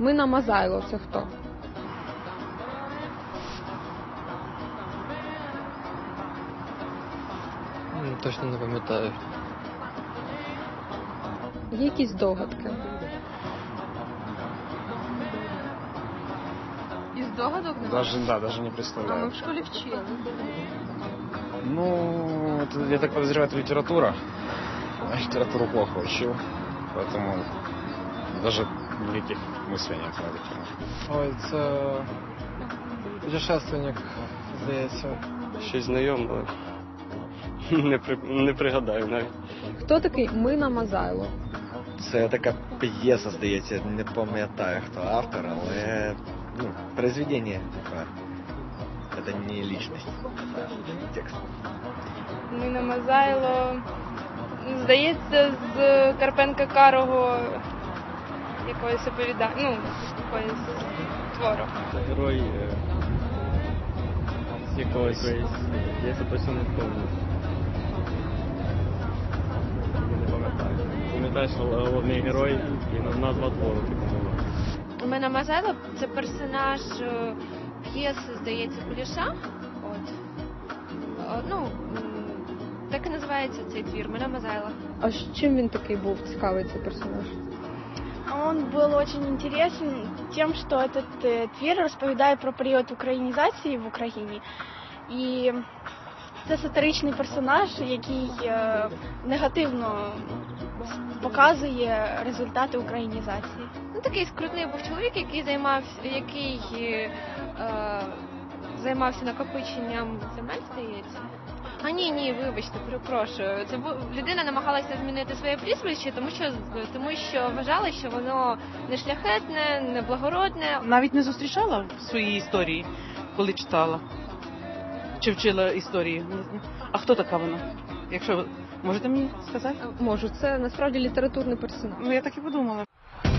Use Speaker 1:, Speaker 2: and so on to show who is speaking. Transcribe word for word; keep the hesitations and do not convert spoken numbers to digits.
Speaker 1: Мина Мазайло – це хто?
Speaker 2: Точно не пам'ятаю.
Speaker 1: Є якісь догадки? Із догадок?
Speaker 3: Даже, да, даже не
Speaker 1: А ми
Speaker 3: представляю.
Speaker 1: в школі вчили.
Speaker 3: Ну, это, я так подозреваю, это литература. А литературу плохо учил, поэтому даже великих мыслей нет на эту тему.
Speaker 2: Ой, це путешественник, здається.
Speaker 4: Щось знайоме, але не, при... не пригадаю навіть.
Speaker 1: Хто такий Мина Мазайло?
Speaker 5: Це така п'єса, здається, не пам'ятаю, хто автор, але ну, произведення таке. Це не лічність, це текст.
Speaker 6: Мина Мазайло, здається, з Карпенка Карого якоїсь оповідання, ну, якоїсь твору.
Speaker 4: Це герой е... з якогось, я це точно не пам'ятаю. Не пам'ятаю. Пам'ятаю, що головний герой і назва твору типу була.
Speaker 7: Мина Мазайло – це персонаж е, п'єси, здається, Куліша. От. Е, Ну, м, так і називається цей твір «Мина Мазайло».
Speaker 1: А з чим він такий був цікавий, цей персонаж?
Speaker 6: Он был очень интересен тем, что этот э, твір розповідає про період українізації в Україні. І це сатиричний персонаж, який е, негативно показує результати українізації.
Speaker 7: Ну, такий скрутний був чоловік, який займався, який е, займався накопиченням земель, здається. А ні, ні, вибачте, перепрошую. Це бу- людина намагалася змінити своє прізвище, тому що тому що вважала, що воно не шляхетне, не благородне.
Speaker 8: Навіть не зустрічала в своїй історії, коли читала чи вчила історії. А хто така вона? Якщо ви можете мені сказати?
Speaker 1: Можу, це насправді літературний персонаж.
Speaker 8: Ну я так і подумала.